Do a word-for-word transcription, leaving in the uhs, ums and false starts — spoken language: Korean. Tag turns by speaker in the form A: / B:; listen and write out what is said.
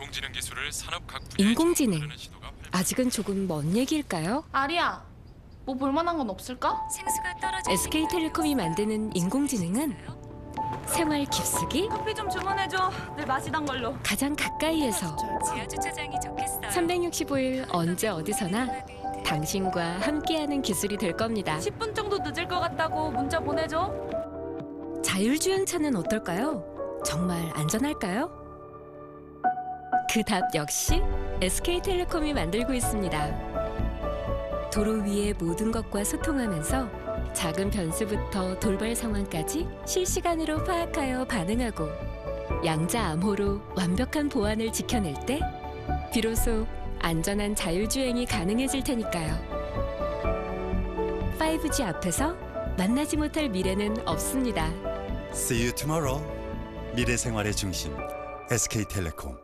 A: 인공지능 기술을 산업 각 분야에
B: 인공지능.
A: 적용하려는 시도가 활발-
B: 아직은 조금 먼 얘기일까요?
C: 아리야, 뭐 볼만한 건 없을까?
D: 생수가 떨어져
B: 에스케이텔레콤이 만드는 인공지능은 생활 깊숙이
E: 커피 좀 주문해줘. 늘 마시던 걸로.
B: 가장 가까이에서
D: 지하 주차장이 좋겠어요.
B: 삼백육십오 일 언제 어디서나 당신과 함께하는 기술이 될 겁니다.
E: 십 분 정도 늦을 것 같다고 문자 보내줘.
B: 자율주행차는 어떨까요? 정말 안전할까요? 그 답 역시 에스케이텔레콤이 만들고 있습니다. 도로 위의 모든 것과 소통하면서 작은 변수부터 돌발 상황까지 실시간으로 파악하여 반응하고 양자 암호로 완벽한 보안을 지켜낼 때 비로소 안전한 자율주행이 가능해질 테니까요. 파이브 지 앞에서 만나지 못할 미래는 없습니다.
F: See you tomorrow. 미래 생활의 중심 에스케이텔레콤.